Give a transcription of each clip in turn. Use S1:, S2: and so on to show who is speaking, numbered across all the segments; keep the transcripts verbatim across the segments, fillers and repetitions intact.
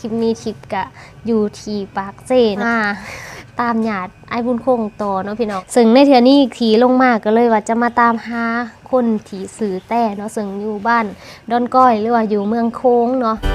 S1: ลิปนี้ทิปกะอยู่ที่ปากเซนะตามญาติไอ้บุญคงต่อเนาะพี่น้องซึ่งในเทื่อนี้ขี่ลงมาก็เลยว่าจะมาตามหาคนที่สื่อแต่เนาะซึ่งอยู่บ้านดอนก้อยหรือว่าอยู่เมืองโค้งเนาะ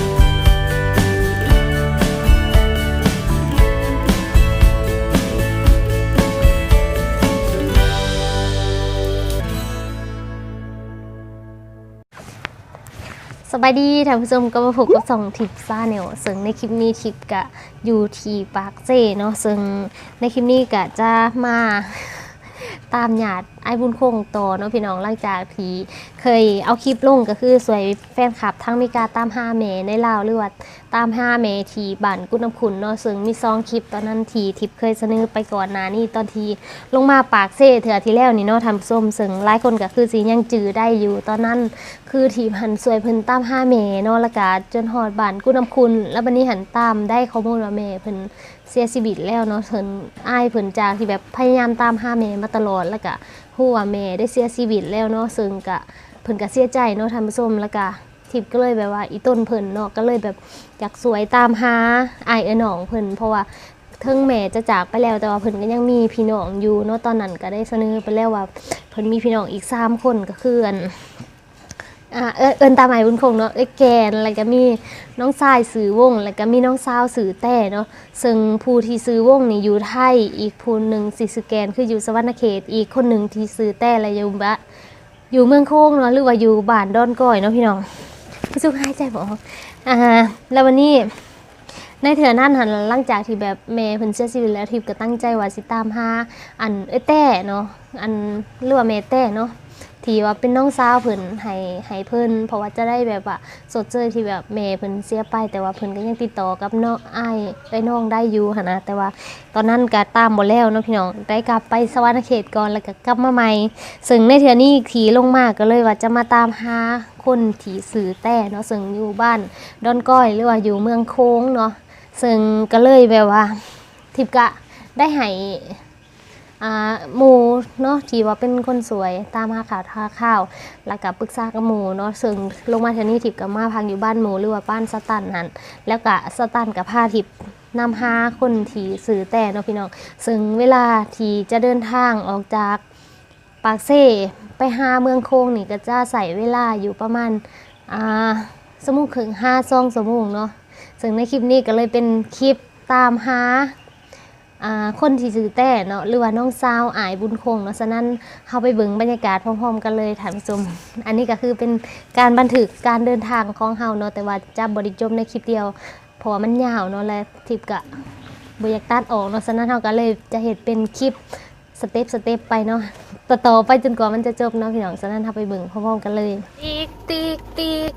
S1: สบายดีท่านผู้ชมก็มาพบกับสองทิปซ่าเนลซึ่งในคลิปนี้ทิปกะอยู่ที่ปากเซเนาะซึ่งในคลิปนี้กะจะมาตามญาติไอ้บุญคงต่อเนาะพี่น้องหลังจากที่เคยเอาคลิปลงก็คือสวยแฟนคลับทั้งมีการตามหาแม่ในลาวหรือว่าตามหาแม่ที่บ้านกุดน้ำขุนเนาะซึ่งมีซองคลิปตอนนั้นที่ทิปเคยเสนอไปก่อนหน้านี้ตอนที่ลงมาปากเซเถื่อที่แล้วนี่เนาะทำส้มซึ่งหลายคนก็คือสิยังจื้อได้อยู่ตอนนั้นคือทีมหันสวยเพิ่นตามหาแม่เนาะแล้วก็จนฮอดบ้านกุดน้ำขุนแล้วบัดนี้หันตามได้ข้อมูลว่าแม่เพิ่นเสียชีวิตแล้วเนาะเพิ่นอ้ายเพิ่นจากที่แบบพยายามตามหาแม่มาตลอดแล้วก็ฮู้ว่าแม่ได้เสียชีวิตแล้วเนาะซึ่งก็เพิ่นก็เสียใจเนาะท่านผู้ชมแล้วก็ทิพย์ก็เลยแบบว่าอีต้นเพิ่นเนาะก็เลยแบบอยากสวยตามหาอ้ายเอ๋น้องเพิ่นเพราะว่าถึงแม่จะจากไปแล้วแต่ว่าเพิ่นก็ยังมีพี่น้องอยู่เนาะตอนนั้นก็ได้เสนอไปแล้วว่าเพิ่นมีพี่น้องอีกสามคนก็คืออันอ่าเอิ้นตามหมายบุญคงเนาะไอ้แกนแล้วก็มีน้องชายสื่อวงแล้วก็มีน้องสาวสื่อแต่เนาะซึ่งผู้ที่ซื้อวงนี่อยู่ไทยอีกผู้นึงสิสแกนคืออยู่สวรรณเขตอีกคนนึงที่ซื้อแต่และอยู่บ้านอยู่เมืองโค้งเนาะหรือว่าอยู่บ้านดอนก้อยเนาะพี่น้องรู้สึกหายใจบ่ออกอ่าแล้ววันนี้ในเถื่อนั่นหันหลังจากที่แบบแม่เพิ่นเสียชีวิตแล้วทิพย์ก็ตั้งใจว่าสิตามหาอันเอ้ยแต่เนาะอันหรือว่าแม่แต่เนาะที่ว่าเป็นน้องสาวเพิ่นให้ให้เพิ่นเพราะว่าจะได้แบบว่าสดเจอที่แบบแม่เพิ่นเสียไปแต่ว่าเพิ่นก็ยังติดต่อกับน้องอ้ายไอ้น้องได้อยู่หั่นนะแต่ว่าตอนนั้นก็ตามบ่แล้วเนาะพี่น้องได้กลับไปสวรรณเขตก่อนแล้วก็กลับมาใหม่ซึ่งในเทื่อนี้ขี่ลงมาก็เลยว่าจะมาตามหาคนที่สื่อแต่เนาะซึ่งอยู่บ้านดอนก้อยหรือว่าอยู่เมืองโค้งเนาะซึ่งก็เลยแบบว่าทิพย์กะได้ให้อ่าหมู่เนาะที่ว่าเป็นคนสวยตามหาข่าวทาข่าวแล้วก็ปรึกษากับหมู่เนาะซึ่งลงมาเทานี้ทิพย์ก็มาพักอยู่บ้านหมู่หรือว่าบ้านสตันนั่นแล้วก็สตันกับพาทิพย์นำหาคนที่สื่อแต่เนาะพี่น้องซึ่งเวลาที่จะเดินทางออกจากปากเซ่ไปหาเมืองโค้งนี่ก็จะใส่เวลาอยู่ประมาณอ่าชั่วโมงครึ่งห้าสองชั่วโมงเนาะซึ่งในคลิปนี้ก็เลยเป็นคลิปตามหาคนที่ซื้อแต่เนาะหรือว่าน้องสาวอายบุญคงเนาะฉะนั้นเข้าไปเบิ่งบรรยากาศพร้อมๆกันเลยท่านผู้ชมอันนี้ก็คือเป็นการบันทึกการเดินทางของเฮาเนาะแต่ว่าจะบ่ได้จบในคลิปเดียวเพราะว่ามันยาวเนาะและทิปก็บ่อยากตัดออกเนาะฉะนั้นเฮาก็เลยจะเฮ็ดเป็นคลิปสเต็ปสเต็ปไปเนาะต่อๆไปจนกว่ามันจะจบเนาะพี่น้องฉะนั้นเฮาไปเบิ่งพร้อมๆกันเลยติ๊กติ๊กติ๊ก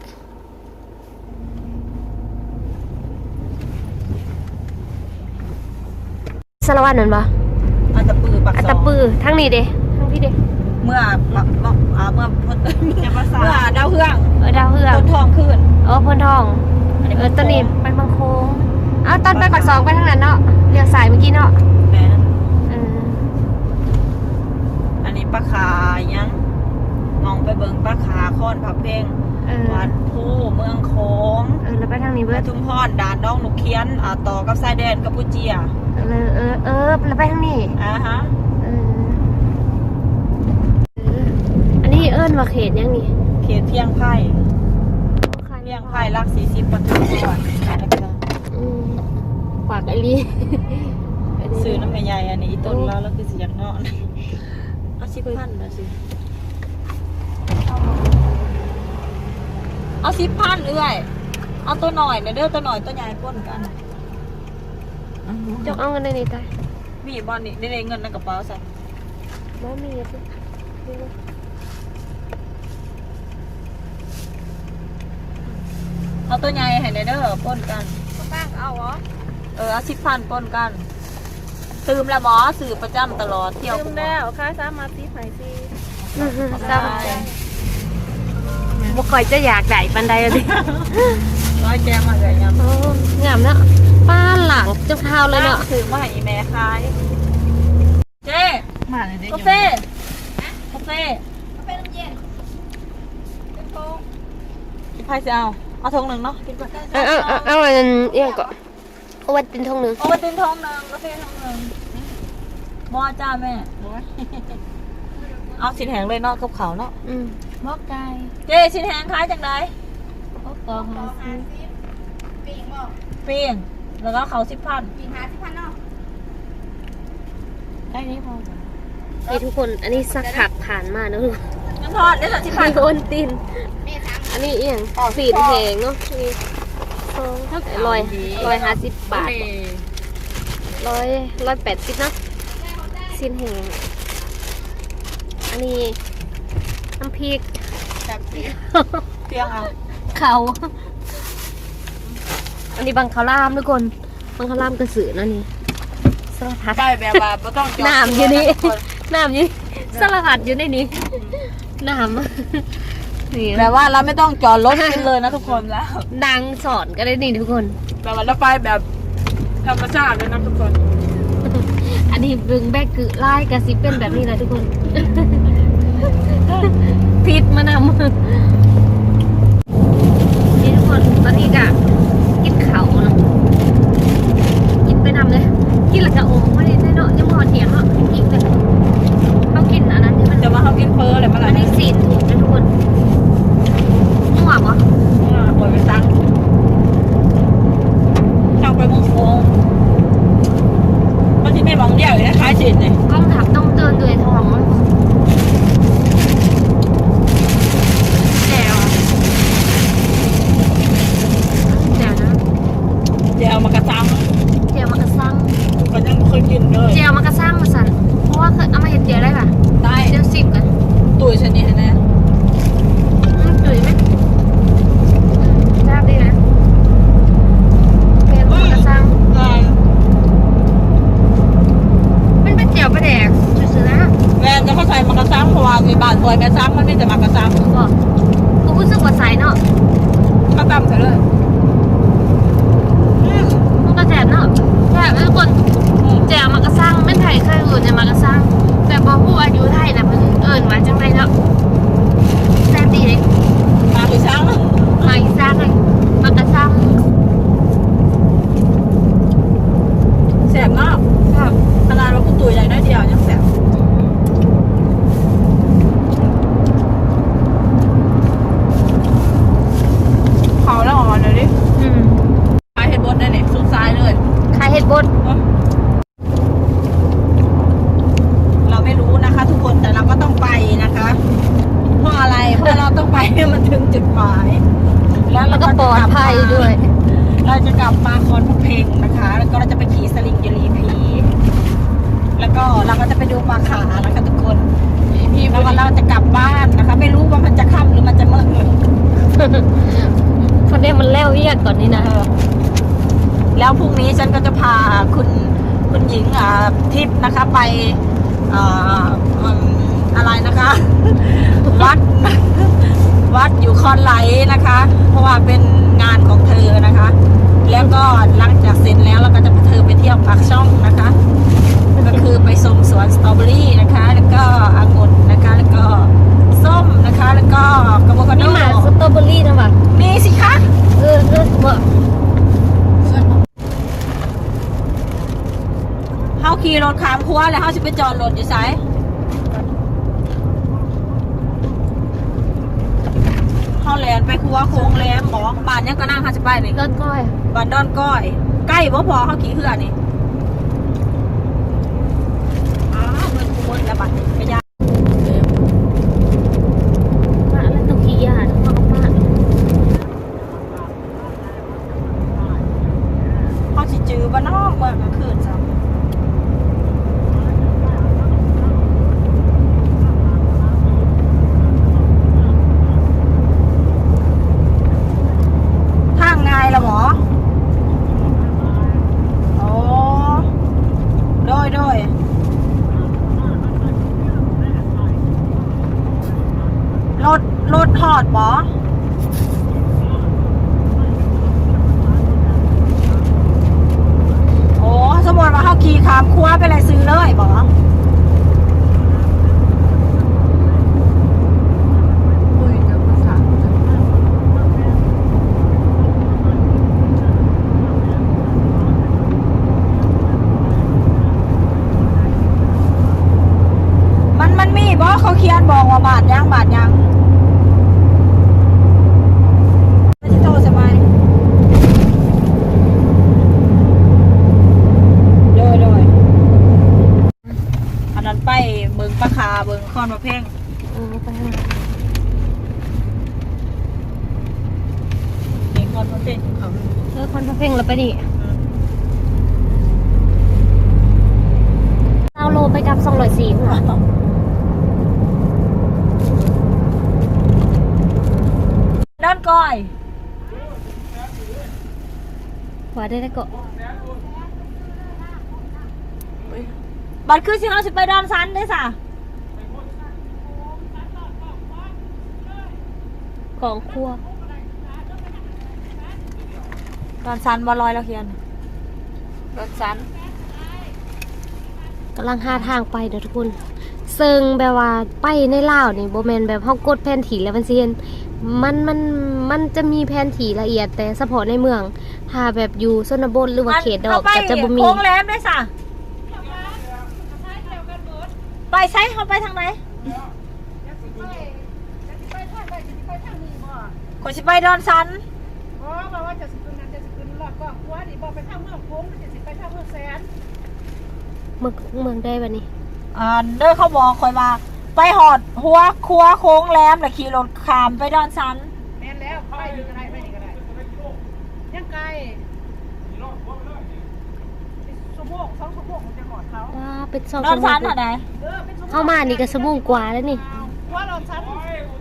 S1: สารวัตรนั่นปะ
S2: อัตตปือปักซองอั
S1: ตตปือทั้งนี้เด้ทั้งพี่เด้
S2: เมื่อเมื่อเมื่อเมื่อดาวเฮือง
S1: เออดาวเฮือง
S2: พ้นทองขึ้น
S1: เออพ้นทองเออตอนนี้ไปบางโค้งเอาตอนไปปักซองไปทางนั้นเนาะเลี้ยวสายเมื่อกี้เนาะ
S2: แม่
S1: เออ
S2: อันนี้ปลาขายังมองไปเบิ่งปลาขาค้อนผับเพลงวัดผู้เมืองโค้ง
S1: เออแล้วไปทางนี้เบิด
S2: ทุ่งพรด่านน้องหนุเคียนอ่าต่อกับชายแดนกัมพูชี
S1: เออเออเออแล้วไปทางนี้
S2: อ่าฮะ
S1: เอออันนี้เอิ้นว่าเขตยังนี่
S2: เขตเพียงไผ่เพียงไผ่รักสี่สิบปทุมพร
S1: ฝากไอรี
S2: ซื้อน้ำใหญ่อันนี้ต้นแล้วแล้วคือสิอยากนอนเอาสิบพันมาสิเอาสิบพันเอื้อยเอาตัวหน่อยเด้อตัวหน่อยตัวใหญ่ป้นกัน
S1: จกเอาเงินในนี้ตาย
S2: มีบอลนี่ได้เงินในกระเป๋าใส่
S1: บ่มีสิ
S2: เอาตัวใหญ่ให้เด้อป้นกัน
S1: ก็แป้งเอาเหรอ
S2: เออเอาสิบพันป้นกันตืมละหมอสื่อประจำตลอดเที่ยว
S1: ตืมแล้วค่าซ้ำมาตีไผ่ซีซ้ำบ่ค่อยจะอยากได้ปันใดเลย
S2: ร้อยแกงมาเลยยัง
S1: งามเนาะป้าหลังเจ้าเท้าเลยเนาะ
S2: ถือมาให้แม่ขายเจ๊มาเลยเด็กกาแฟกาแฟกาแฟน้ำเย็นเป็นโค้งพี่พายจะเอาเอาทงหนึ่งเนาะกินก่อน
S1: เอาเอาเอาเอาอันเอี้ยงก่อนเอาไว้เป็นทงหนึง
S2: โอ้ตินทงหนึ่งกาแฟทงหนึ่งมอจ้าแม่เอาชิ้นแห้งเลยเนาะกับเขาเนาะ
S1: อืม
S3: บอกไก่
S2: เจ๊ชิ้นแห้งคล้ายจังได
S3: บอกกองมาซื้อ
S2: ปิ้งแล้วก็เขาสิบพัน
S3: ไก่นี้พอจ้ะ
S1: นี่ทุกคนอันนี้สักผักผ่านมาเนอะ
S2: น้ำทอดได้สักสิบพัน
S1: มีโอนตินอันนี้เอียงสีดแหงเนาะนี่ลอยลอยห้าสิบบาทร้อยร้อยแปดสิบเนาะสิ้นแหงอันนี้น้ำพริก
S2: จากเตียงเอา
S1: เขาอันนี้บังคาร่ามทุกคนบังคาร่ามกระสือเนาะนี่สารพัด
S2: ได้แบบว่าไม่ต้องจอด
S1: น้ำอยู่นี่น้ำอยู่นี่สารพัดอยู่ในนี้น้ำนี่
S2: แบบว่าเราไม่ต้องจอดรถกินเลยนะทุกคนแล้ว
S1: ดังสอนก็ได้นี่ทุกคน
S2: แบบว่าเราไปแบบธรรมชาติเลยนะทุกคน
S1: อันนี้บึงแบกคือไล่กระซิบเป็นแบบนี้นะทุกคน พิษมานำนี่ทุกคนตอนนี้กะกินเขาเนาะกินไปนำเลยกินแล้วก็โอ้ไม่ได้เนาะยังพอเถียงเนาะกินเลยเขากินอันนั้นที่มัน
S2: จะมาเขากินเฟอร์อะไรมา
S1: อั
S2: ล่ะ
S1: นนี้สีถูกนะทุกคนมั่วปะ
S2: ปล่อยไปซักช่างไปมุงโค้งมันที่ไม่มองเดียวเลยคล้ายจีนเลย
S1: กล้องถับต้องเตือนด้วยทองมั้งแจ๋วแจ๋วนะ
S2: เดี๋ยวมากระซัง
S1: เจียวมากระซัง
S2: ก็ยังไม่เคยกินเลย
S1: เจียวมากระซังมาสั่นเพราะว่าเคยเอามาเห็นเจียวได้ป่ะ
S2: ได้
S1: เจียวสิบกัน
S2: ตุ๋ยชนิดนี้
S1: อืมจุ๋ยไหมอืมทราบดีนะเป็นมากระซังมันเป็นเจียวปลาแดกซื่อๆนะ
S2: แม่จะเข้าใจมากระซังเพราะว่าในบ้านซอยแม่ซังมันไม่จะมากระซัง
S1: บอกกูรู้สึกว่าใสเนาะ
S2: ก็ตำใส่เลย
S1: มันก็แสบเนาะแสบทุกคนเจียวมากระซังไม่ไทยเคยอื่นจะมากระซังแต่บอกผู้อายุไทยนะเพิ่งเอิญว่าจังไรเนาะแสบดีเลย
S2: มาคือซัง
S1: มาอีซังเลยมากระซัง
S2: แสบมาก
S1: ครับ
S2: ขนาดว่ากูตุ๋ยใหญ่น้อยเดียวยังแสบเขาแล้วออกมาเลยดิ
S1: อืม
S2: ไปเห็นบนได้เนี่ยสุดซ้ายเลย
S1: ขายเห็ดบด
S2: เราไม่รู้นะคะทุกคนแต่เราก็ต้องไปนะคะ เพราะอะไรเพราะเราต้องไปให้มันถึงจุดหมาย แล้ว
S1: แล้
S2: เรา
S1: วก็
S2: ก็
S1: ปลอดภัยด้วย
S2: เราจะกลับมาคอนพเพงนะคะ แล้วก็เราจะไปขี่สลิงยรีพีแล้วก็เราก็จะไปดูปลาขานะคะทุกคนแล้วก็เราจะกลับบ้านนะคะ ไม่รู้ว่ามันจะค่ำหรือมันจะมืด
S1: คนนี้มันแล้วเรียกก่อนนี่นะ
S2: แล้วพรุ่งนี้ฉันก็จะพาคุณคุณหญิงอ่าทิพย์นะคะไปอ่าอืมอะไรนะคะ วัด วัดอยู่คอนไหลนะคะ เพราะว่าเป็นงานของเธอนะคะ แล้วก็หลังจากเสร็จแล้วเราก็จะพาเธอไปเที่ยวปากช่องนะคะ ก็คือไปชมสวนสตรอเบอรี่นะคะ แล้วก็องุ่นนะคะ แล้วก็ส้มนะคะ แล้วก็กระบอกกระโด
S1: นี่หมาสตรอเบอรี่นะวะ
S2: มีสิคะ
S1: เออเออบอก
S2: เฮาขี่รถขามคัวแล้วเฮาสิไปจอดรถอยู่ไสเฮาแลนไปคัวโค้งแหลมหมอบ้านยังก็นั่งเฮาสิไปนี่
S1: ก้อนก้อย
S2: บ้านดอนก้อย ใกล้บ่พอเฮาขี่เหือนี่อ้าวเงินกูหมดแล้วบัดนี้ไปยา
S1: มาแล้วต้องขี้ยาต้องเอามา
S2: เฮาสิจื้อบ่เนาะเมื่อกลางคืนซะทางง่ายละหมอโอ้โดยโดยรถรถหอดบอโอ้สมมติว่าเขาขี่ขามครัวไปเลยซื้อเลยบอเบิ่งคอนมาเพ่ง
S1: โอ้ไปทางไหน
S2: นี่คอนมาเพ่งเขา
S1: เออคนพระเพ่งแล้วไปดิเอาโลไปกับสองร้อยสี่หัว
S2: ด้านก้อย
S1: หัวได้ได้ก็
S2: บัตรคือสิเราสิไปดอนซันได้สะ
S1: ของครัว
S2: ดอนซันบอลลอยแล้วเขียนดอนซัน
S1: กำลังหาทางไปเด้อทุกคนซึ่งแบบว่าไปในลาวนี่โบแมนแบบเฮากดแผนที่แล้วมันสิเห็นมันมันมันจะมีแผนที่ละเอียดแต่เฉพาะในเมือง ถ้าแบบอยู่ชนบทหรือว่าเขตดอกก็จะบ่มี
S2: โค้งแหลมได้สะไปใช้เขาไปทางไหนขอสิไปดอนซัน
S4: อ๋อบอกว่าจะสิขึ้นนั้นจะสิขึ้นรอดก็กลัวดิบอกไปทางเมืองโค้งจะสิไปทางเมืองแสน
S1: เมืองเมืองได้บัดนี้
S2: อ่าเด้อเขาบอกคอยมาไปหอดหัวครัวโค้งแหลมแล้วขี่รถขามไปดอนซัน
S4: แม่นแล้วไปนี่ก็ได้ไปนี่ก็ได้ยังไกลชั่วโมงสองชั่วโมงมันจะหอดเขา
S1: ว้าเป็นสอง
S2: ดอน
S1: ชั่วโม
S2: ซัน
S1: ง
S2: อะไหน
S4: เออเป็นชั่วโมง
S1: เข้ามานี่ก็ชั่วโมงกว่าแล้วนี่
S4: กลัวรอนชั้น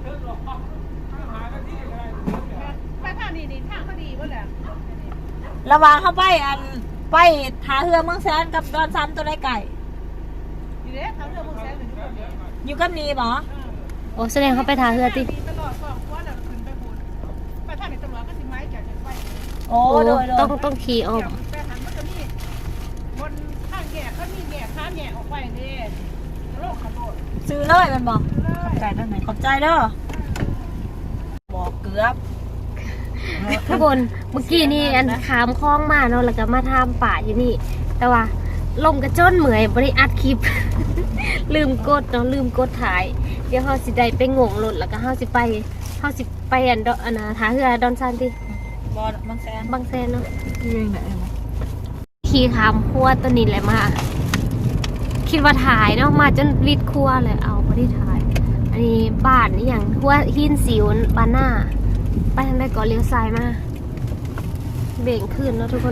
S4: ไปทางนี้นี่ทางก็ดีวะแหละ
S2: ระหว่างเขาไปอันไปหาเรือเมืองแสนกับดอนซันตัวไรไก่
S4: อยู่เด้ทางเรือเมืองแสนอยู่ที่นี่
S2: อยู่กับนีบอ
S1: โอ้แสดงเขาไปทาเรือติ
S4: มีตลอดก็กลัวแล้วขึ้นไปบุญไปทางนี้ตำรวจก็สิไม้จะจะไป
S2: โอ้
S1: โอ้
S2: โดยโด
S1: ต้อย งต้องขี่ออก
S4: ไปทางมันจะมีบนทางแยกก็มีแยกข้ามแยกออกไปเด้โลกขบวน
S2: ซื้อเลยมันบอก
S4: เลย
S2: ขอบใจด้านไหนขอบใจเด้อบอกเกือบ
S1: ทุกคนเมื่อกี้นี่อันขามคล้องมาเนาะแล้วก็มาทำป่าอยู่นี่ แต่ว่าลมกระจ้นเหมือยบริอัดคลิป ลืมกดเนาะลืมกดถ่าย เดี๋ยวเฮาสิได้ไปงงรถแล้วก็เฮาสิไปเฮาสิไปอันดออันน่ะทาเรือดอนซานติ
S2: บอลบางแสน
S1: บางแสนเนาะ
S2: อยู่ยังไหน
S1: ขี่ขามครัวตัวนี้แหละมา คิดว่าถ่ายเนาะมาจนวิดครัวเลยเอาบ่ได้ถ่าย อันนี้บ้านนี่อย่างหัวหินสิวบ้านหน้า ไปทางใดก็เลี้ยวซ้ายมาเบ่งขึ้นเนาะทุกคน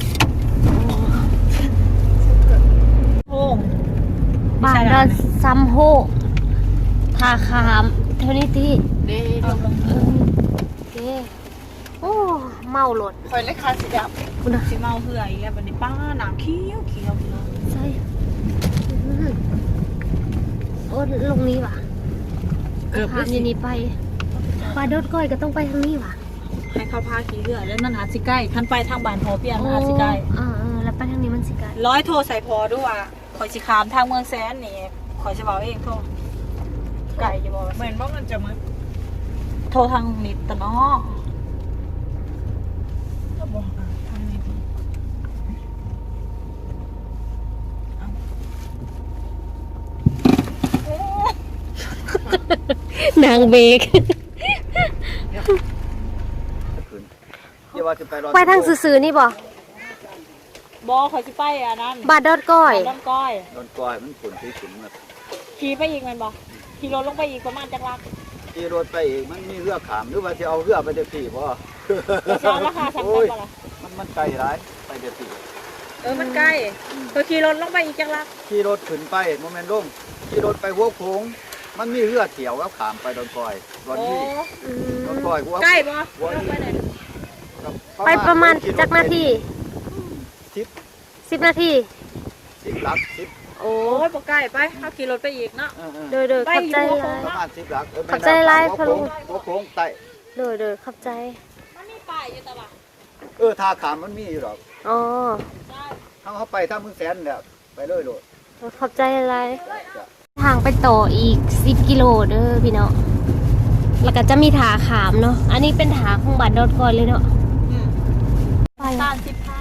S2: โอ้ง
S1: บ้านดอนซัมโฮทาขามเท่านี้ที่
S2: เด้ลงลง
S1: เออโอเคโอ้เมาหลด
S2: คอยเล็กคาสีด
S1: คุณนะ
S2: ำสีเมาเหื่อยแล้วบันนี้ป้าหนามเขี้ยวเขี้ยวพี่น้อง
S1: ใช่อื้อโอ้ลงนี้ว่ะ
S2: เกือบ
S1: ขามอยู่นี่ไปปลาโดดก้อยก็ต้องไปทางนี้ว่ะ
S2: ให้เขาพาขี่เหื่อยแล้วนั่นหาสิใกล้คันไปทางบ้านพอเพียงหาสิใกล้
S1: อ่าๆแล้วไปทางนี้มันสิไกล
S2: ร้อยโทรใส่พอด้วยว่าคอยสิขามทางเมืองแสนนี่คอยจะบอกเองโทรไก่จะบอกเหมือนว่ามันจะมึงโทรทางนิดตะเนาะก็บอกอ่ะทางนิด
S1: นางเบก
S5: เดี๋ยวว่าจะไปรอ
S1: ไปทางซื่อๆนี่บ่
S2: บอคอยสิไปอ่ะนั่น
S1: บาดโดดก้อย
S2: ด้านก้อย
S5: โดนก้อยมันผุนที่ขุนแบบ
S2: ขี่ไปอีกแมันบอขี่รถลงไปอีกประมาณจักรัก
S5: ที่รถไปอีกมันมีเรือขามหรือว่าจะเอาเรือไปเดี๋ยวพี่พ่อ
S2: จะเอาราคาสั่งไป
S5: โอ้ย
S2: บ่ล่ะ
S5: มันมันไกลร้ายไปเดี๋ยวพี่
S2: เออมันใกล้คอยขี่รถลงไปอีกจักรัก
S5: ขี่รถขึ้นไปโมเมนต์ลงขี่รถไปหัวโค้งมันมีเรือเที่ยวแล้วขามไปโดนก้อยรถ
S2: โอ้
S5: นี้โดนก้อยกูว่า
S2: ใกล้บ่ลงไปไหน
S1: ไปประมาณจักนาที
S5: สิบ
S1: สิบนาที
S5: สิบหลักสิบ
S1: โอ้
S2: โอ้ยบ่ใกล้ไปเอาขี่รถไปอีกเนาะ
S5: เออเออ
S1: โดยโดย
S2: ไป
S1: ขับ
S2: อยู่
S1: ใจ
S2: หัว
S1: ห
S2: โค้
S1: ลาง ย
S5: ประมาณสิบหลักเออ
S1: ขอบใจหลาย
S5: หัว
S1: พะลุ
S5: โค้
S1: ง
S5: งหัวโค้งไต่
S1: โดยโดยขับใจ
S2: มันมีป้ายอยู่ตลาด
S5: เออทาขามมันมีอยู่หรอก
S1: อ๋อ
S2: ได้
S5: ถ้าเขาไปถ้ามึงแสนเนี่ยไปเลยโลด
S1: ขอบใจหลาย
S5: จ้ะ
S1: ทางไปต่ออีกสิบกิโลเด้อพี่น้องแล้วก็จะมีถาขามเนาะอันนี้เป็นถาของบาดโดดก้อยเลยเนาะ
S2: อืม
S1: ไป
S2: ตาลสิบพัน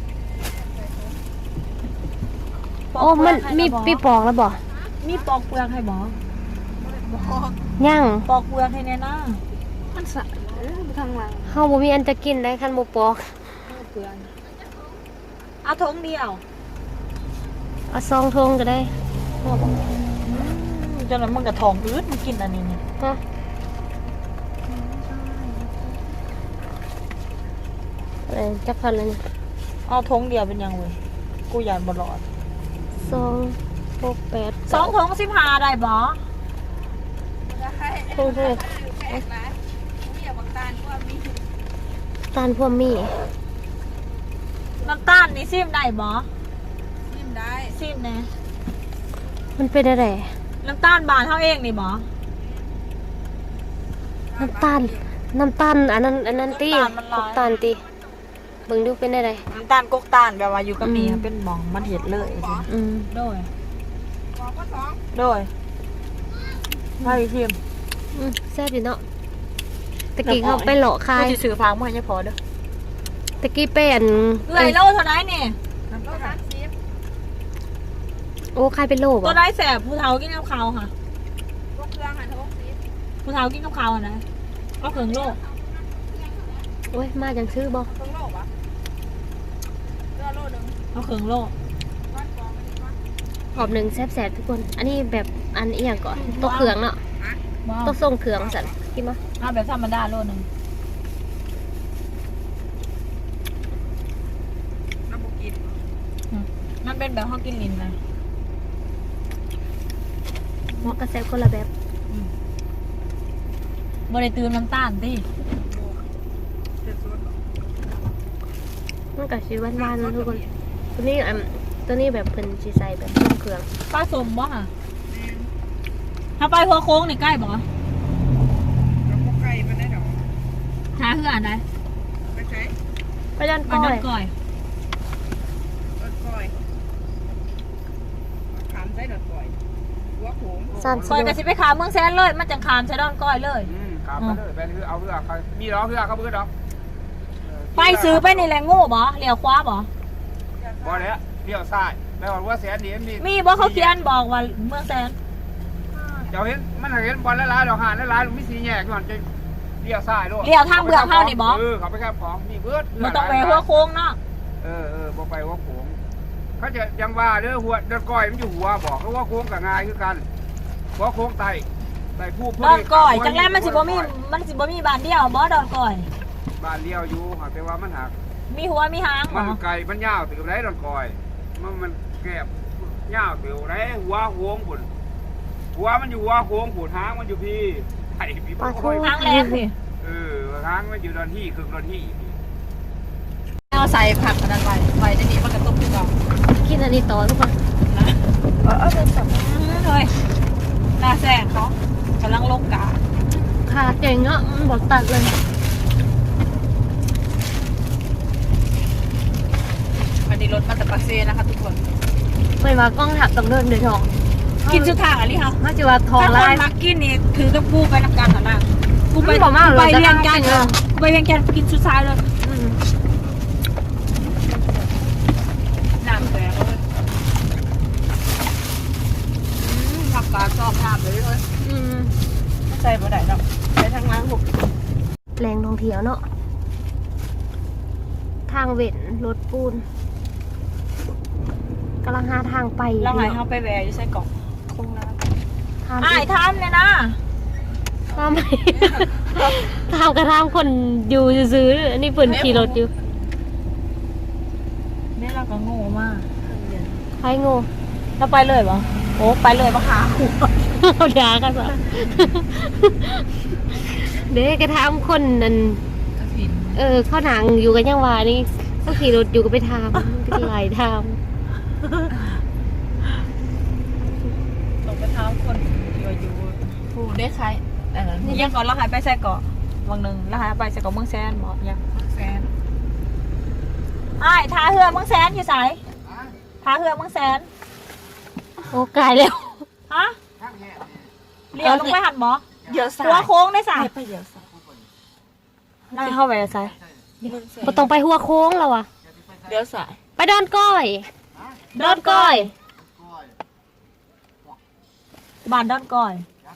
S1: โอ้มันมีปีปอกแล้วบ่
S2: มีปอกเปลือกให้บ่
S1: ยัง
S2: ปอกเปลือกให้แน่นะ
S4: มันสะทางหลัง
S1: เฮาบ่มีอันจะกินได้คันบ่ปอก
S2: เปลือกเอาทงเดียว
S1: เอาซองทงก็ได้
S2: โดจนนั้นมันกระทองอืดมันกินอันนี้นี่
S1: ฮะอะไรจักพันเลยนี่
S2: เอาทงเดียวเป็นยังเว้ยกูยานบลอด
S1: สองหกแปด
S2: สองทงสิบห้าได้บ่
S1: โอ้โหตาลพวกมี
S2: น้ำตาลนี่ซิมได้บ่
S4: ซิมได้
S2: ซิมแน่
S1: มันเป็นอะไร
S2: น้ำตาลบานเท่าเองนี่บ่
S1: น้ำตาล น้ำตาลอันนั้นอันนั้นตี
S2: น้ำตาลมันหลาย
S1: น้ำตาลตีเบิ่งดูเป็นอะไร
S2: น้ำตาลกกตาลแบบว่าอยู่กับนี่
S1: อืม
S2: เป็นหมองมันเห็ดเลย
S1: อืม
S2: โดย
S4: บอกว่าสอง
S2: โดยไพ่ซิม
S1: อืมแซ่บอยู่เนาะตะกี้เขาไปหลอกคา
S2: กู
S1: ย
S2: สิซื้อฟางมาให้พอเด้อ
S1: ตะกี้เป็น
S2: เอื่อยโลเท่าไหร่นี่
S4: โลสามสิบ
S1: โอ้คายเป็นโล
S2: ตั
S1: บ่
S2: วได้แสบผู้เฒ่ากินกับข้าวค่ะ
S4: พวกเครื่องหันหกสิบ
S2: ผู้เฒ่ากินกับข้าวอะนะเอาเขิงโล
S1: โอ้ยมาจังซื้อบ่
S4: เครื่องโลปะเครื่องโลหนึ่ง
S2: เอาเขิงโล
S4: ก้อนกองมันนี่ก้อน
S1: หอบหนึ่งแซ่บๆทุกคน อันนี้แบบอันอีหยังก่อนตัวเขืองเนาะ
S2: บ่
S1: ตัวทรงเขืองสันกินมา
S2: เอาแบบธรรมดาโลหนึง
S4: น้ำบุกิน
S2: มันเป็นแบบเฮากินลิ้นนะ
S1: หมอกระแซบคนละแบบ
S2: บ่ได้ตื่นน้ำตาลติ
S4: เจ็ดสุด
S1: มันก็สิหวานๆนะทุกคน ตัวนี้อันตัวนี้แบบเพิ่นสิใส่แบบทรงเขือง
S2: ปลาสมบ่ค่ะถ้าไปหัวโค้งนี่ใกล้บ่
S4: แล้วพวกไก่มันได้ดอก
S2: หาเฮืออันใด
S4: ไปใช้
S1: ไปด้าน
S2: มั
S1: ก้
S2: น
S1: อ
S2: นั่
S1: ย
S2: นก่อย
S4: ดอดก้อยขามใช้ดอดก้อยหัวโขง
S1: สามสิ
S2: ก่อย
S1: บ
S2: ก็สิไปขามเมืองแสนเลย มันจังขามใช้ดอนก้อยเลย
S5: อืมครับไปเลยไปคือเอาเรือเขามีล้อเรือเขาเพื่อดอกเออ
S2: ไปซื้อไปนี่แหละโง่บ่เลี้ยวขวาบ่
S5: บ่แล้วเลี้ยวซ้ายแล้วว่าแสนนี่มี
S2: มีบ่เขาเขียนบอกว่าเมืองแสน
S5: เดี๋ยวเห็นมันเห็นบอลละลายดอกหานละลายมีสีแยกก่อนจะเลี้ยวซ้ายด้วย
S2: เลี้ยวทางเบือกเฮานี่บ่
S5: เออเขาไปแคบของมีเบิด
S2: บ่ต้องไปหัวโค้งเนาะ
S5: เออเออบ่ไปหัวโค้งเขาจะยังว่าเด้อหัวเดินก้อยมันอยู่หัวบอกเขาว่าโค้งกับง่ายคือกันหัวโค้งไตไตผู้
S2: ดอนก้อยจังแลมันสิบ่มีมันสิบ่มีบ้านเดียวบ่ดอนก้อย
S5: บ้านเลี้ยวอยู่หากแต่ว่ามันหัก
S2: มีหัวมีหาง
S5: มั
S2: บ่
S5: นไก่มันยาวถึงไรดอนก้อย มันมันแกบยาวถึงไรหัวโค้งผุนหัวมันอยู่หัวโค้งผุนหางมันอยู่พี่ไอ้พี่บ่ค่อย
S2: หางแหลมพี่
S5: เออหางมันอยู่ดอนที่คือดอนที่
S2: เอาใส่ผักอันนั้นไว้ไว้ในนี้มันก็ต้มขึ้นก่อน
S1: กินอันนี้ต่อทุกคน
S2: นะเออเอาเป็นสับเฮ้ยหน้าแซงเขากำลังลงกา
S1: ขาเก่งเนาะมันบอกตัดเลย
S2: อันนี้รถมาจากปากเซนะคะทุกคน
S1: ไม่ว่ากล้องถักต้องเดินเดือดทอง
S2: กินชุดทางอะไรคะ
S1: มาจิว่าทอง
S2: ถ้าค
S1: ลาย
S2: นมักกินนี่ถือกับกูไปนำกันเหรอนะกูไป
S1: มันบอกมาก
S2: กู
S1: เลย
S2: ไป
S1: จะ
S2: เวียง
S1: นั่ง
S2: จันท
S1: กิน
S2: ร์
S1: เนอะ
S2: กูไปเวียงจันทร์กินชุดซ้ายเลย
S1: อืม
S2: น้ำแดงเลยผักกาดชอบน้ำเลยเลย
S1: อืม
S2: ไม่ใส่บ่ได้ดอกใส่ทางล้างหุบ
S1: แรงท่องเที่ยวเนาะทางเว้นรถปูนกำลังหาทางไป
S2: เราหายเขาไปแวร์อยู่ใส่กล่องคงน้
S1: ทาง
S2: ำอ้ายทำเนี่ยนะ
S1: ทำไมทางกระทำคนอยู่ซื้อๆอันนี้เปิ่นขี่รถอยู่
S2: นี่เราก็โง่มาก
S1: ใครโง่
S2: เราไปเลยปะโอ้ไปเลยปะคะ
S1: เอาด่ากันซะเด็กกระทำคนนั่น
S2: กระถิน
S1: เออเข้าหนังอยู่กันยังวานี่ก็ขี่รถอยู่ก็ไปทำก็หลายท
S2: ตกไปเท้าคนที่ว่าอยู่ผู้ได้ใครเออยังก่อนเราหายไปใส่เกาะวังหนึ่งเราหายไปใส่เกาะเมืองแซนบอกยังเมืองแซนอ้ายท่าเรือเมืองแซนอยู่ไสายท่าเรือเมืองแซน
S1: ำโอ้กายแล้ว
S2: ฮะเลี้ยวลงไปหันหมอเดี๋ยวสายหัวโค้งได้สายไปเดี๋ยวสายได้เข้าไปสาย
S1: บ่ต้องไปหัวโค้งแล้วอ่ะ
S2: เดี๋ยวสาย
S1: ไปดอนก้อยดอนก้อย
S2: บ้านดอนก้อย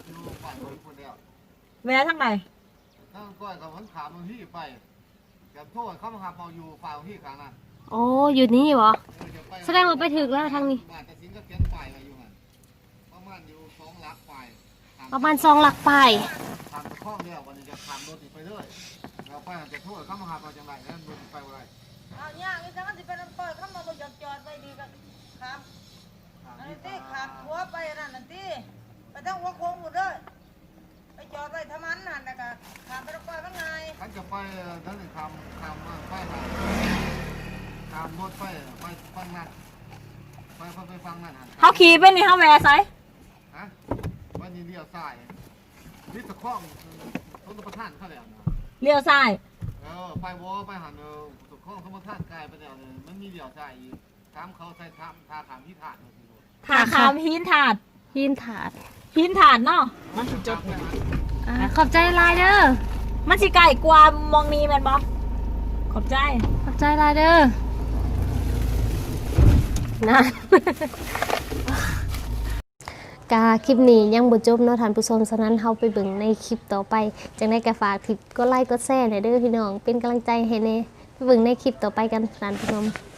S2: แวะทางไหน
S5: ถ้าก้อยกับมันขามันที่ไปกับโทษเขามาหาเปาอยู่ฝ่ายที่กลางน่ะ
S1: โอ้อยู่นี่เหรอแสดงว่าไปถึกแล้วทางนี้
S5: บ้านแต่สิงก็เขียนป้ายไว้อยู่หั่นประมาณอยู่สองหลัง
S6: ลักไป
S1: ประมาณสองหลักไป
S6: ทางตะข้องเนี่ยวันนี้จะทำรถติดไปเรื่อยเราไปอาจจะโทษเข้ามาหาเราจังไรนั่นรถไปอะไร
S2: เอาเนี่ยนี่ถ้ามันจะเป็นเปิดเข้ามาบนจอดจอดไปดีกันครับอันนี้ที่ขับหัวไปนั่นนั่นที่ไปทั้งหัวโค้งหมดเลยไปจอดไปทำมันนั่นนะก็ขับไปตะกอยมันไง
S6: ขันจะไปนั่นทำทำไปทำรถไปไปฟังนั่นไปไปฟังนั่น
S2: เขาขี่ไปนี่เขาแหวไซ
S6: ฮะวันนี้เลี้ยวซ้ายนี่ตะข้องต้นประท่านเขาแล้วนะ
S2: เลี้ยวซ้าย
S6: เออไปวอไปหันเออตะข้องต้นประท่านกลายไปแล้วเลยมันมีเลี้ยวซ้ายอีกตามเขาใส่ทามทาขามที่ถาด
S2: ถาคามหินถาด
S1: หินถาด
S2: หินถาดเนาะ
S6: มันจะจดเนี่ย
S1: อ่าขอบใจหลายเด้อ
S2: มันสิไก่กว่ามองนี้แม่นบ่ขอบใจ
S1: ขอบใจหลายเด้อนะ กาคลิปนี้ยังบ่จบเนาะท่านผู้ชมฉะนั้นเฮาไปเบิ่งในคลิปต่อไปจังได้ก็ฝากทิปก็ไลค์ก็แชร์หน่อยเด้อพี่น้องเป็นกำลังใจให้แน่ไปเบิ่งในคลิปต่อไปกันท่านผู้ชม